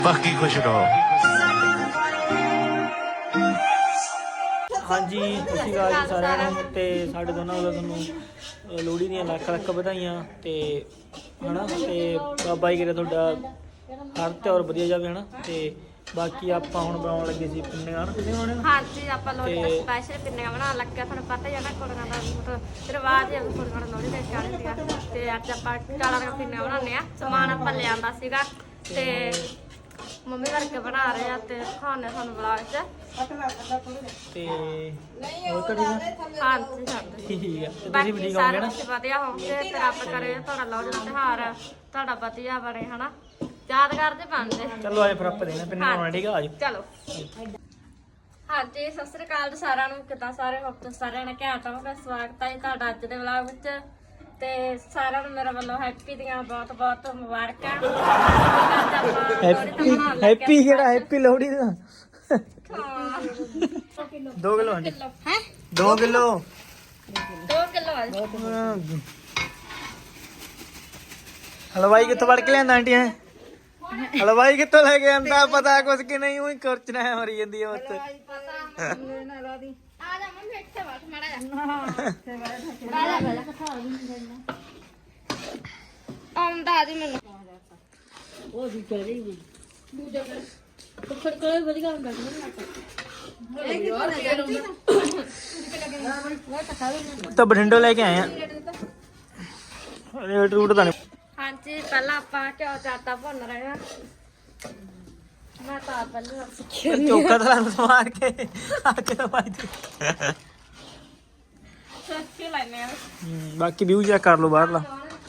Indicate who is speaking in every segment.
Speaker 1: ਬਾਕੀ ਖੁਸ਼ ਰਹੋ।
Speaker 2: ਹਾਂਜੀ ਸਤਿ ਸ਼੍ਰੀ ਅਕਾਲ ਜੀ ਸਾਰਿਆਂ ਨੂੰ। ਤੇ ਸਾਡੇ ਦੋਨਾਂ ਵੱਲੋਂ ਤੁਹਾਨੂੰ ਲੋਹੜੀ ਦੀਆਂ ਲੱਖ ਲੱਖ ਵਧਾਈਆਂ ਤੇ ਹਨਾ। ਤੇ ਬਾਬਾ ਜੀ ਕਰੇ ਤੁਹਾਡਾ ਹਰ ਤਿਉਹਾਰ ਵਧੀਆ ਜਾਵੇ ਹਨਾ। ਤੇ ਬਾਕੀ ਆਪਾਂ ਹੁਣ ਬਣਾਉਣ ਲੱਗੇ ਸੀ ਪਿੰਨੀਆਂ ਹਨਾ। ਕਿੰਨੇ ਬਣਾਉਣੇ?
Speaker 3: ਹਾਂਜੀ ਆਪਾਂ ਲੋਹੜੀ ਦਾ ਸਪੈਸ਼ਲ ਪਿੰਨੀਆਂ ਬਣਾਉਣ ਲੱਗੇ। ਤੁਹਾਨੂੰ ਪਤਾ ਹੀ ਹੈ ਨਾ ਕੁੜੀਆਂ ਦਾ ਮਤਲਬ ਰਿਵਾਜ ਹੈ ਕੁੜੀਆਂ ਨੂੰ ਲੋਹੜੀ ਦੇ ਚਾੜ੍ਹਨ ਦੀਆਂ। ਤੇ ਅੱਜ ਆਪਾਂ ਕਾਲਾ ਰੰਗ ਪਿੰਨੀਆਂ ਬਣਾਉਂਦੇ ਆ। ਸਮਾਨ ਆਪਾਂ ਲਿਆਂਦਾ ਸੀਗਾ ਤੇ ਮੰਮੀ ਵਰਗੇ ਬਣਾ ਰਹੇ ਆ ਤੇ ਖਾਣੇ ਤੁਹਾਨੂੰ ਬੁਲਾ ਚ
Speaker 2: ਤੇ ਹੋਰ ਕਰੀ
Speaker 3: ਹਾਂਜੀ ਸਾਡੇ
Speaker 2: ਠੀਕ ਆ। ਤੇ ਤੁਸੀਂ
Speaker 3: ਬਾਕੀ
Speaker 2: ਵੀ ਠੀਕ
Speaker 3: ਸਾਰੇ
Speaker 2: ਹੋਗੇ ਨਾ?
Speaker 3: ਬੱਚੇ ਵਧੀਆ ਹੋਣਗੇ ਤੇ ਰੱਬ ਕਰੇ ਤੁਹਾਡਾ ਲੋਹੜੀ ਦਾ ਤਿਉਹਾਰ ਤੁਹਾਡਾ ਵਧੀਆ ਬਣੇ ਹਨਾ। ਯਾਦਗਾਰ ਦੇ ਬਣਦੇ।
Speaker 2: ਚਲੋ ਆਏ ਫਿਰ ਆਪਾਂ ਦੇਣਾ ਪਿੰਨੀਆਂ ਬਣਾਉਣਾ। ਠੀਕ ਆ ਆਜੋ।
Speaker 3: ਚਲੋ ਹਾਂਜੀ ਸਤਿ ਸ੍ਰੀ ਅਕਾਲ ਜੀ ਸਾਰਿਆਂ ਨੂੰ। ਕਿੱਦਾਂ ਸਾਰੇ ਹੋਪ ਸਾਰਿਆਂ ਨੇ ਘੈਂਟ ਹੋਵੋਗੇ। ਸਵਾਗਤ ਹੈ ਤੁਹਾਡਾ ਅੱਜ ਦੇ ਵਲੌਗ ਵਿੱਚ। ਤੇ ਸਾਰਿਆਂ ਨੂੰ ਮੇਰੇ ਵੱਲੋਂ ਹੈਪੀ ਦੀਆਂ ਬਹੁਤ ਬਹੁਤ ਮੁਬਾਰਕਾਂ।
Speaker 2: ਹੈਪੀ ਕਿਹੜਾ ਹੈਪੀ ਲੋਹੜੀ ਦਾ 2 ਕਿਲੋ ਹਾਂਜੀ
Speaker 3: ਹੈ
Speaker 2: 2 ਕਿਲੋ
Speaker 3: 2 ਕਿਲੋ ਆ।
Speaker 2: ਹਲਵਾਈ ਕਿੱਥੋਂ ਫੜ ਕੇ ਲਿਆਂਦਾ ਆਂਟੀ? ਹੈ ਹਲਵਾਈ ਕਿੱਥੋਂ ਲੈ ਕੇ ਆਂਦਾ? ਪਤਾ ਕੁਛ ਕਿ ਨਹੀਂ? ਉਹੀ ਕੁਰਚਣਾ ਹੈ ਮਰੀ ਜਾਂਦੀ ਹੈ ਉੱਥੇ।
Speaker 3: ਆ ਜਾ ਮੰਮੀ ਇੱਥੇ ਬੈਠ ਮਾੜਾ ਜਾ ਆਉਂਦਾ ਆ ਜੀ ਮੈਨੂੰ
Speaker 4: ਉਹ ਵੀ ਕਰੀ ਵੀ ਦੂਜਾ ਕਰ ਕੋਈ ਵਧੀਆ ਹੁੰਦਾ
Speaker 2: ਤਾਂ ਬਠਿੰਡੋਂ ਲੈ ਕੇ ਆਏ ਆ। ਰੇਟ ਰੂਟ ਤਾਂ ਨਹੀਂ।
Speaker 3: ਹਾਂਜੀ ਪਹਿਲਾਂ ਆਪਾਂ ਘਿਓ ਚ ਆਟਾ ਭੁੰਨ ਰਹੇ ਆ। ਮੈਂ ਤਾਂ ਪਹਿਲਾਂ ਸਿੱਖੀ
Speaker 2: ਚੋਕਾ ਤਾਂ ਮਾਰ ਕੇ ਅੱਗੇ ਵਾਈ
Speaker 3: ਸਿੱਖੀ ਲੈਨੇ ਆ।
Speaker 2: ਬਾਕੀ ਵਿਊ ਚੈੱਕ ਕਰ ਲਓ ਬਾਹਰਲਾ।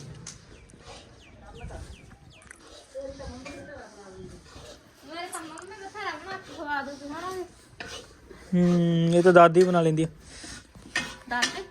Speaker 3: ਮੇਰੇ ਤਾਂ ਮੰਮੀ ਬਥੇਰਾ ਬਣਾ ਕੇ ਖਵਾ ਦੋ ਤੁਹਾਨੂੰ।
Speaker 2: ਇਹ ਤਾਂ ਦਾਦੀ ਬਣਾ ਲੈਂਦੀ ਆ।
Speaker 3: ਦਾਦੀ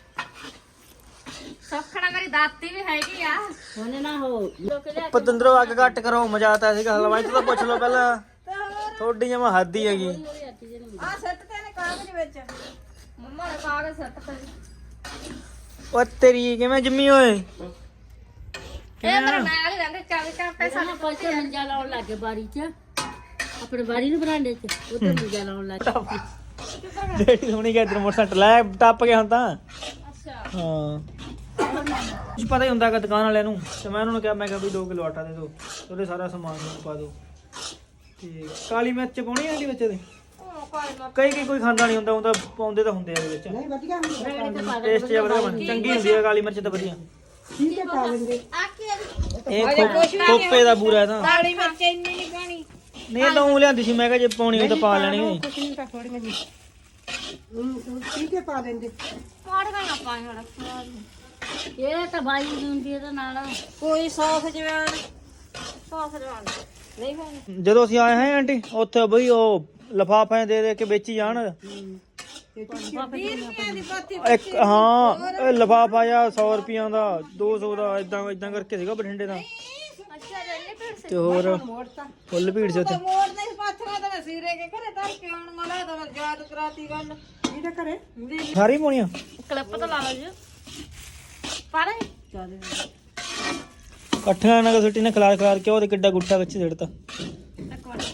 Speaker 3: ਸੌਖਣਾ ਮੇਰੀ ਦਾਦੀ ਵੀ ਹੈਗੀ ਆ।
Speaker 4: ਉਹਨੇ ਨਾ ਹੋ
Speaker 2: ਪਤੰਦਰੋਂ ਅੱਗ ਘੱਟ ਕਰੋ। ਮਜ਼ਾ ਆਤਾ ਸੀਗਾ। ਹਲਵਾਈ ਤੋਂ ਤਾਂ ਪੁੱਛ ਲਓ ਪਹਿਲਾਂ। ਥੋੜੀ ਜਮਾ ਹੱਦ ਹੀ ਹੈਗੀ।
Speaker 3: ਆ ਸੱਟ ਤੇ ਨੇ ਕਾਗਜ਼ ਵਿੱਚ ਮੰਮਾ ਨੇ ਕਾਗਜ਼ ਸੱਟ ਤੇ
Speaker 2: ਉਹ ਤੇਰੀ ਕਿਵੇਂ ਜੰਮੀ ਓਏ?
Speaker 3: ਇਹ ਮੇਰਾ ਨਾਲ ਹੀ ਰਹਿੰਦੇ 24 ਘੰਟੇ
Speaker 4: ਸਾਨੂੰ ਪੈਸੇ ਮੰਜਾ ਲਾਉਣ ਲੱਗੇ ਬਾਰੀ 'ਚ ਆਪਣੇ ਬਾਰੀ ਨੂੰ ਬਰਾਂਡੇ 'ਚ ਉਧਰ ਮੰਜਾ ਲਾਉਣ ਲੱਗੇ।
Speaker 2: ਜਿਹੜੀ ਸੋਹਣੀ ਗਿਆ ਇਧਰ ਮੋਟਰਸਾਈਕਲ ਲੈ ਟੱਪ ਗਿਆ ਹੁਣ ਤਾਂ।
Speaker 3: ਅੱਛਾ
Speaker 2: ਹਾਂ ਕੁਝ ਪਤਾ ਹੀ ਹੁੰਦਾ ਕਿ ਦੁਕਾਨ ਵਾਲਿਆਂ ਨੂੰ। ਤੇ ਮੈਂ ਉਹਨਾਂ ਨੂੰ ਕਿਹਾ, ਮੈਂ ਕਿਹਾ ਵੀ 2 ਕਿਲੋ ਆਟਾ ਦੇ ਦਿਓ, ਉਹਦੇ ਸਾਰਾ ਸਮਾਨ ਨੂੰ ਪਾ ਦਿਓ। ਤੇ ਕਾਲੀ ਮਿਰਚ ਪਾਉਣੀ ਆ ਇਹਦੇ ਵਿੱਚ? ਇਹਦੇ
Speaker 3: ਉਹ ਕੋਈ ਨਾ
Speaker 2: ਕਈ ਕੋਈ ਖਾਂਦਾ ਨਹੀਂ ਹੁੰਦਾ। ਉਹ ਤਾਂ ਪਾਉਂਦੇ ਤਾਂ ਹੁੰਦੇ ਆ ਇਹਦੇ ਵਿੱਚ।
Speaker 4: ਰੇੜੀ ਤੇ ਪਾ ਦੇ
Speaker 2: ਟੇਸਟ ਜਿਹਾ ਵਧੀਆ ਬਣ ਚੰਗੀ ਹੁੰਦੀ ਹੈ ਕਾਲੀ ਮਿਰਚ ਤਾਂ ਵਧੀਆ।
Speaker 4: ਠੀਕ ਹੈ ਪਾ ਲੈਂਦੇ
Speaker 3: ਆ ਕੀ
Speaker 2: ਇਹ ਖੋਪੇ ਦਾ ਬੂਰਾ ਤਾਂ
Speaker 3: ਕਾਲੀ ਮਿਰਚ ਇੰਨੀ ਨਹੀਂ ਪਾਣੀ।
Speaker 2: ਨਹੀਂ ਇਹ ਤਾਂ ਉਹ ਲਿਆਂਦੀ ਸੀ। ਮੈਂ ਕਿਹਾ ਜੇ ਪਾਉਣੀ ਹੋਈ ਤਾਂ ਪਾ ਲੈਣੀ ਹੋਈ।
Speaker 4: ਕੁਛ ਨਹੀਂ ਤਾਂ ਥੋੜੀਆਂ ਜੀ ਠੀਕ ਹੈ ਪਾ ਲੈਂਦੇ।
Speaker 3: ਪਾੜ ਗਈਆਂ ਪਾਣੀ ਹੜਾ
Speaker 4: ਇਹ ਤਾਂ ਬਾਈ ਹੁੰਦੀ ਇਹਦੇ ਨਾਲ
Speaker 3: ਕੋਈ ਸੌਸ ਜਵਾਨ ਸੌਸ ਜਵਾਨ ਨਹੀਂ ਪਾਣੀ।
Speaker 2: ਜਦੋਂ ਅਸੀਂ ਆਏ ਹਾਂ ਆਂਟੀ ਉੱਥੇ ਬਈ ਉਹ ਲਿਫਾਫੇ ਦੇ ਕੇ ਵੇਚੀ ਜਾਣ।
Speaker 3: 20 ਰੁਪਏ ਦੀ ਪਾਤੀ
Speaker 2: ਇੱਕ ਹਾਂ ਇਹ ਲਿਫਾਫਾ ਜਾਂ 100 ਰੁਪਈਆਂ ਦਾ 200 ਦਾ ਇਦਾਂ ਕਰਕੇ ਸੀਗਾ ਬਠਿੰਡੇ ਦਾ।
Speaker 3: ਅੱਛਾ ਰੈਲੀ ਭੀੜ ਸੇ
Speaker 2: ਤੇ ਹੋਰ ਫੁੱਲ ਭੀੜ ਸੀ ਉੱਥੇ।
Speaker 3: ਮੋੜ ਨਹੀਂ ਪਾਥਰਾ ਤਾਂ ਸੀਰੇ ਕੇ ਘਰੇ ਧਰ ਕੇ ਆਉਣ ਮਲਾ ਤਾਂ ਯਾਦ ਕਰਾਤੀ ਗੱਲ
Speaker 4: ਇਹਦੇ ਘਰੇ
Speaker 2: ਸਾਰੀ ਪਾਉਣੀਆਂ
Speaker 3: ਕਲਿੱਪ ਤਾਂ ਲਾ ਲਓ ਜੀ ਪਾਰੇ
Speaker 4: ਚੱਲ
Speaker 2: ਇਕੱਠੀਆਂ ਨਾਲ ਸੁੱਟੀ ਨੇ ਖਲਾਰ ਕੇ ਉਹਦੇ ਕਿੱਡਾ ਗੁੱਟਾ ਵਿੱਚ ਸਿੱਟਤਾ।
Speaker 3: ਇੱਕ ਮਿੰਟ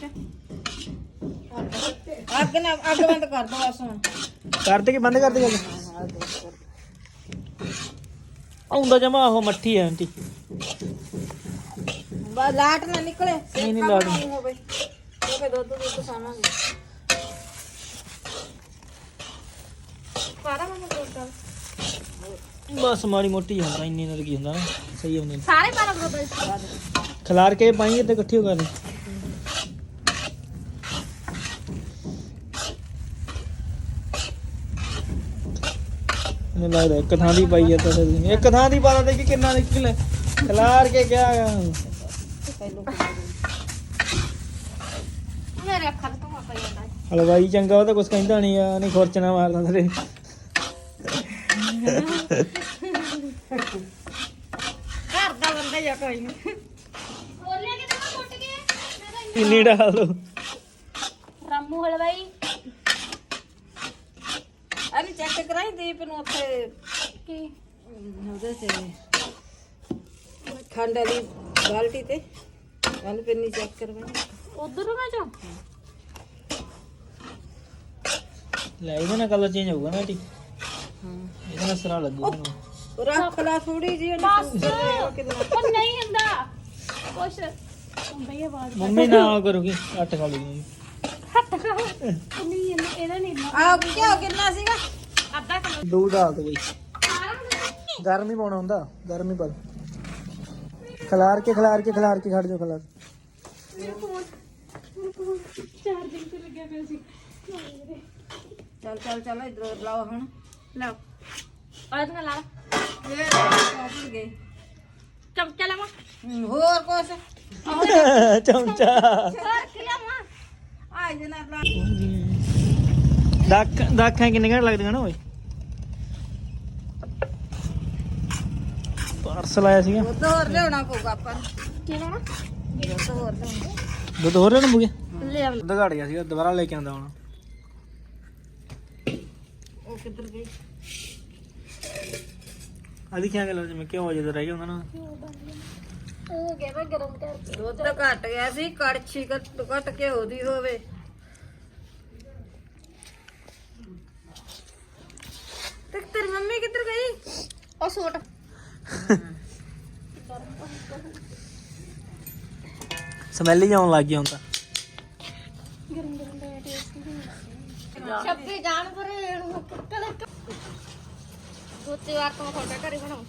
Speaker 3: ਅੱਗ ਬੰਦ ਕਰ ਦੋ ਬਸ ਹੁਣ।
Speaker 2: ਕਰਦੇ ਕਿ ਬੰਦ ਕਰਦੇ ਗੱਲ ਆਉਂਦਾ ਜਮਾ ਉਹ ਮੱਠੀ ਹੈ ਆਂਟੀ।
Speaker 3: ਲਾਟ ਨਾ ਨਿਕਲੇ
Speaker 2: ਨਹੀਂ ਲਾਟ
Speaker 3: ਹੋਵੇ ਕਿਉਂਕਿ ਦੁੱਧ ਸਾਵਾਂਗੇ ਪਾਰਾ ਮੈਂ ਦੁੱਧ
Speaker 2: ਬਸ ਮਾੜੀ ਮੋਟੀ ਹੁੰਦਾ ਇੰਨੀ ਨਾਲ ਕੀ ਹੁੰਦਾ ਨਾ ਸਹੀ ਹੁੰਦੇ।
Speaker 3: ਸਾਰੇ ਪਾਰਾ ਦੁੱਧ
Speaker 2: ਖਲਾਰ ਕੇ ਪਾਈਏ ਤੇ ਇਕੱਠੀ ਹੋ ਕਰ ਮੈਨੂੰ ਲੱਗਦਾ ਇੱਕ ਥਾਂ ਦੀ ਪਾਈ ਹੈ ਤਾਂ ਇੱਕ ਥਾਂ ਦੀ ਪਾ ਦੇ ਕਿ ਕਿੰਨਾ ਨਿਕਲੇ। ਖਲਾਰ ਕੇ ਕਿਆ
Speaker 3: ਮੇਰੇ ਅੱਖਾਂ ਤੋਂ ਮਾ ਪਈ ਜਾਂਦਾ।
Speaker 2: ਹਲਵਾਈ ਚੰਗਾ ਉਹ ਤਾਂ ਕੁਛ ਕਹਿੰਦਾ ਨਹੀਂ ਆ। ਨਹੀਂ ਖੁਰਚਣਾ ਮਾਰਦਾ ਤੇਰੇ।
Speaker 3: ਘਰ ਦਾ ਬੰਦਾ ਜਾਂ ਕੋਈ ਨਹੀਂ ਬੋਲਿਆ ਕਿ ਤਾਂ ਟੁੱਟ ਗਏ।
Speaker 2: ਇੰਨੀ ਡਾਲ ਦੋ
Speaker 3: ਰਾਮੂ ਹਲਵਾਈ ਅਰੇ ਚੈੱਕ ਕਰਾਈ ਦੀਪ ਨੂੰ ਉੱਥੇ ਕੀ
Speaker 4: ਉਹਦੇ ਤੇ ਖੰਡ ਵਾਲੀ ਬਾਲਟੀ ਤੇ ਕੱਲ ਪਿੰਨੀ ਚੈੱਕ ਕਰਵਾਈ। ਉਧਰ ਮੈਂ ਜਾ
Speaker 2: ਲੈ ਇਹਦੇ ਨਾਲ ਕਲਰ ਚੇਂਜ ਹੋਊਗਾ ਨਾ ਟੀ ਇਹਦੇ ਨਾਲ ਸਰਾ ਲੱਗੂ
Speaker 1: ਰੱਖ ਲਾ ਥੋੜੀ ਜੀ
Speaker 4: ਬਸ ਉਹ ਨਹੀਂ ਹੁੰਦਾ ਕੁਛ ਹੁੰਦਾ ਹੀ ਆਵਾਜ਼
Speaker 2: ਮੰਮੀ ਨਾ ਕਰੂਗੀ ਅੱਟ ਖਾ ਲੂਗੀ
Speaker 4: ਨਹੀਂ ਇਹਦਾ ਨਹੀਂ
Speaker 1: ਆ ਕਿਉਂ ਕਿੰਨਾ ਸੀਗਾ
Speaker 4: ਅੱਧਾ ਕਿਲੋ
Speaker 2: ਦੂਧ ਆ ਗਈ ਗਰਮੀ ਪਾਉਣਾ ਹੁੰਦਾ ਗਰਮੀ ਪਾ ਖਲਾਰ ਕੇ ਖੜ ਜਾਓ ਖਲਾਰ
Speaker 4: ਚਾਰਜਿੰਗ ਤੇ ਲੱਗਿਆ ਪਿਆ ਸੀ
Speaker 1: ਚੱਲ ਇਧਰ ਲਾਓ ਹੁਣ
Speaker 3: ਲਓ ਆਜ ਨਾ ਲਾ
Speaker 1: ਇਹ ਭੁੱਲ ਗਏ
Speaker 3: ਚਮਚਾ ਲਵਾਂ
Speaker 1: ਹੋਰ ਕੁਛ
Speaker 2: ਚਮਚਾ
Speaker 3: ਹੋਰ ਕੀ ਲਵਾਂ
Speaker 1: ਆ ਜਨਾ ਲਾ
Speaker 2: ਦਾਖਾਂ ਕਿੰਨੇ ਘੰਟੇ ਲੱਗਦੀਆਂ ਨਾ ਓਏ ਪਾਰਸਲ ਆਇਆ ਸੀਗਾ
Speaker 1: ਦੁੱਧ ਹੋਰ ਲਿਆਉਣਾ ਪਊਗਾ ਆਪਾਂ ਨੂੰ
Speaker 3: ਕੀ ਲੈਣਾ
Speaker 1: ਦੁੱਧ ਹੋਰ ਲਿਆਉਣਾ
Speaker 2: ਦੁੱਧ ਹੋਰ ਲੈਣਾ ਮੁਗੇ
Speaker 3: ਲੈ ਆਉਂ
Speaker 2: ਦੁੱਧ ਘੜ ਗਿਆ ਸੀਗਾ ਦੁਬਾਰਾ ਲੈ ਕੇ ਆਂਦਾ ਹੁਣ
Speaker 1: ਉਹ ਕਿੱਧਰ ਗਈ
Speaker 2: ਆਦੀ ਕਿਆ ਗੱਲ ਜਿਵੇਂ ਕਿਉਂ ਵਜੇ ਰਹਿ ਗਿਆ ਉਹਨਾਂ ਨਾਲ
Speaker 3: ਉਹ ਗਿਆ ਮੈਂ ਗਰਮ ਕਰਕੇ
Speaker 1: ਦੁੱਧ ਘਟ ਗਿਆ ਸੀ ਕੜਛੀ ਘਟ ਕੇ ਉਹਦੀ ਹੋਵੇ ਤੇ ਤੇਰੀ ਮੰਮੀ ਕਿੱਧਰ ਗਈ
Speaker 3: ਉਹ ਸੂਟ
Speaker 2: ਸਮੈਲ ਹੀ ਆਉਣ ਲੱਗ ਗਈ ਹੁਣ ਤਾਂ
Speaker 3: ਛੱਪੀ ਜਾਣ ਪਰ ਕਦੇ ਦੂਜੀ ਵਾਰ ਤੋਂ ਤੁਹਾਡੇ ਘਰੇ ਬਣਾਉ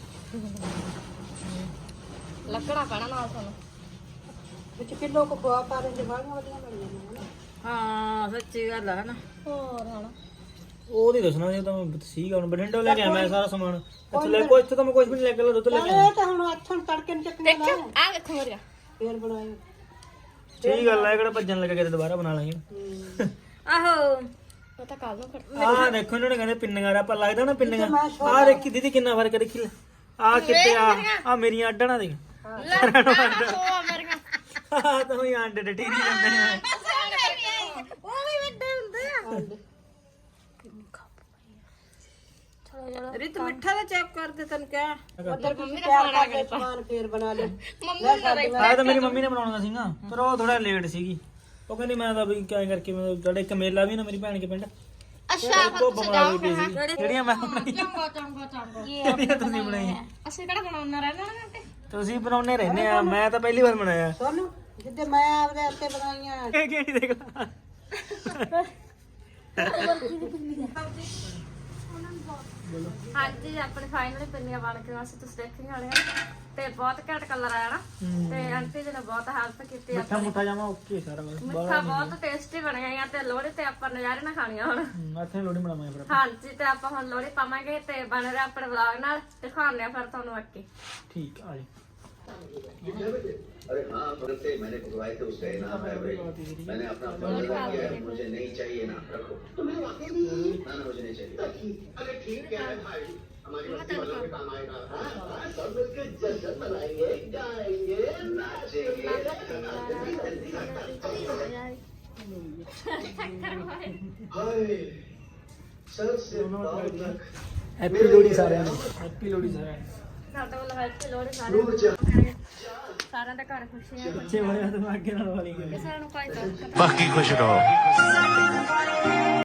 Speaker 3: ਲੱਕੜਾ ਪੈਣਾ ਨਾਲ ਤੁਹਾਨੂੰ
Speaker 1: ਵਿੱਚ ਕਿਲੋ ਕੋ ਪਾ ਪਾ ਦੇ ਵਾਲੀਆਂ ਵਧੀਆ ਬਣੀਆਂ ਨੇ ਹਾਂ ਸੱਚੀ ਗੱਲ ਹੈ ਨਾ
Speaker 3: ਹੋਰ ਹਣਾ
Speaker 2: ਉਹ ਨਹੀਂ ਦੱਸਣਾ ਸੀ ਤਾਂ ਮੈਂ ਸੀਗਾ ਹੁਣ ਬਠਿੰਡੇ ਲੈ ਕੇ ਆਇਆ ਮੈਂ ਸਾਰਾ ਸਮਾਨ ਇੱਥੇ ਲੈ ਕੋਈ ਇੱਥੇ ਤਾਂ ਮੈਂ ਕੁਝ ਵੀ ਨਹੀਂ ਲੈ ਕੇ ਆਇਆ ਦੁੱਧ ਲੈ ਕੇ ਆਇਆ
Speaker 1: ਤਾਂ ਹੁਣ ਅੱਥਣ ਤੜਕੇ ਨੂੰ ਚੱਕਣਾ
Speaker 3: ਦੇਖਿਓ ਆ ਵੇਖੋ ਮੇਰਾ
Speaker 1: ਫੇਰ ਬਣਾਏ
Speaker 2: ਸਹੀ ਗੱਲ ਹੈ ਕਿਹੜਾ ਭੱਜਣ ਲੱਗਾ ਕਿਤੇ ਦੁਬਾਰਾ ਬਣਾ ਲਾਂਗੇ
Speaker 1: ਆਹੋ
Speaker 3: ਉਹ ਤਾਂ ਕੱਲ ਨੂੰ ਖੜ
Speaker 2: ਆਹ ਦੇਖੋ ਇਹਨਾਂ ਨੇ ਕਹਿੰਦੇ ਪਿੰਨੀਆਂ ਦਾ ਪਰ ਲੱਗਦਾ ਨਾ ਪਿੰਨੀਆਂ ਆਹ ਦੇਖੀ ਦੀਦੀ ਕਿੰਨਾ ਫਰਕ ਹੈ, ਦੇਖੀ ਆਹ ਕਿਤੇ ਆ ਮੇਰੀਆਂ ਅੱਡਾਂ ਨਾ ਦੇਖ
Speaker 3: ਲੈ ਉਹ ਮੇਰੀਆਂ
Speaker 2: ਆਹ ਤਾਂ ਹੀ ਆਂਡੇ ਡਟੀ ਨਹੀਂ ਜਾਂਦੇ ਨੇ
Speaker 3: ਉਹ ਵੀ ਵੱਡੇ ਹੁੰਦੇ ਆ ਚਲੋ ਚਲੋ
Speaker 1: ਰਿਤ ਮਿੱਠਾ ਦਾ ਚੈੱਕ ਕਰ ਦੇ ਤੈਨੂੰ ਕਿਹਾ
Speaker 3: ਉਧਰ ਮੰਮੀ ਦਾ ਫੋਨ ਆ ਗਿਆ
Speaker 1: ਸਮਾਨ ਫੇਰ ਬਣਾ ਲੈ
Speaker 3: ਮੰਮੀ ਦਾ ਰਹੀ
Speaker 2: ਆਹ ਤਾਂ ਮੇਰੀ ਮੰਮੀ ਨੇ ਬਣਾਉਣਾ ਸੀਗਾ ਪਰ ਉਹ ਥੋੜਾ ਲੇਟ ਸੀਗੀ ਉਹ ਕਹਿੰਦੀ ਮੈਂ ਤਾਂ ਵੀ ਕਿਆ ਕਰਕੇ ਮੈਂ ਤੁਹਾਡੇ ਇੱਕ ਮੇਲਾ ਵੀ ਨਾ ਮੇਰੀ ਭੈਣ ਕੇ ਪਿੰਡ
Speaker 3: ਅੱਛਾ
Speaker 2: ਉਹ ਬਣਾ ਲਈ ਪਈ ਸੀ ਜਿਹੜੀਆਂ ਮੈਂ ਬਣਾਈ
Speaker 3: ਚੰਗਾ
Speaker 2: ਜਿਹੜੀਆਂ ਤੁਸੀਂ ਬਣਾਈ
Speaker 3: ਅਸੀਂ ਕਿਹੜਾ ਬਣਾਉਣਾ ਰਹਿਣਾ ਨਾ ਤੇ
Speaker 2: ਤੁਸੀਂ ਬਣਾਉਣੇ ਰਹਿੰਦੇ ਆ ਮੈਂ ਤਾਂ ਪਹਿਲੀ ਵਾਰ ਬਣਾਇਆ
Speaker 1: ਸੋਨੂੰ ਜਿੱਦੇ ਮੈਂ ਆਪਦੇ ਹੱਥੇ ਬਣਾਈਆਂ
Speaker 2: ਇਹ ਕਿਹੜੀ ਦੇਖ ਲਾ
Speaker 3: ਹਾਂਜੀ ਆਪਣੇ ਫਾਈਨਲੀ ਪਿੰਨੀਆਂ ਬਣ ਕੇ ਅਸੀਂ ਤੁਸੀਂ ਦੇਖੀਆਂ ਵਾਲੇ ਤੇ ਬਹੁਤ ਘੈਂਟ ਕਲਰ ਆਇਆ ਨਾ ਤੇ ਆਂਟੀ ਜੀ ਨੇ ਬਹੁਤ ਹੈਲਪ ਕੀਤੀ ਆ
Speaker 2: ਮਿੱਠਾ ਮੁੱਠਾ ਜਾਵਾਂ ਓਕੇ ਸਾਰਾ ਕੁਝ
Speaker 3: ਮਿੱਠਾ ਬਹੁਤ ਟੇਸਟੀ ਬਣਿਆ ਆ ਤੇ ਲੋਹੜੀ ਤੇ ਆਪਾਂ ਨਜ਼ਾਰੇ ਨਾਲ ਖਾਣੀਆਂ ਹੁਣ
Speaker 2: ਇੱਥੇ ਲੋੜੀ ਬਣਾਵਾਂਗੇ ਫਿਰ
Speaker 3: ਹਾਂਜੀ ਤੇ ਆਪਾਂ ਹੁਣ ਲੋਹੜੀ ਪਾਵਾਂਗੇ ਤੇ ਬਣ ਰਿਹਾ ਆਪਣੇ ਵਲੌਗ ਨਾਲ ਦਿਖਾਉਂਦੇ ਆ ਫਿਰ ਤੁਹਾਨੂੰ ਅੱਗੇ
Speaker 2: ਠੀਕ ਆ ਜੀ
Speaker 5: अरे हाँ तुरंत से मैंने खुदवाए थे उसका इनाम है भाई मैंने अपना फर्ज अदा किया है मुझे नहीं चाहिए ना रखो तुम्हें वाकई नहीं ना मुझे नहीं चाहिए अरे ठीक है भाई हमारी मस्ती वालों के काम आएगा हाँ, सब मिलकर जश्न मनाएंगे गाएंगे नाचेंगे हाय सर से पाँव तक
Speaker 2: ਹੈਪੀ ਲੋੜੀ ਸਾਰਿਆਂ ਨੂੰ ਹੈਪੀ ਲੋੜੀ ਸਾਰਿਆਂ ਨੂੰ
Speaker 3: ਸਾਡਾ ਵੱਲੋਂ ਹੈਪੀ ਲੋਹੜੀ ਸਾਰਿਆਂ ਦੇ ਘਰ ਖੁਸ਼ੀਆਂ
Speaker 2: ਬੱਚੇ ਬੜੇ ਦਿਮਾਗੇ ਨਾਲ ਵਾਲੀ
Speaker 3: ਕਿਸੇ ਨੂੰ ਕੋਈ ਦੁੱਖ
Speaker 6: ਬਾਕੀ ਖੁਸ਼ ਰਹੋ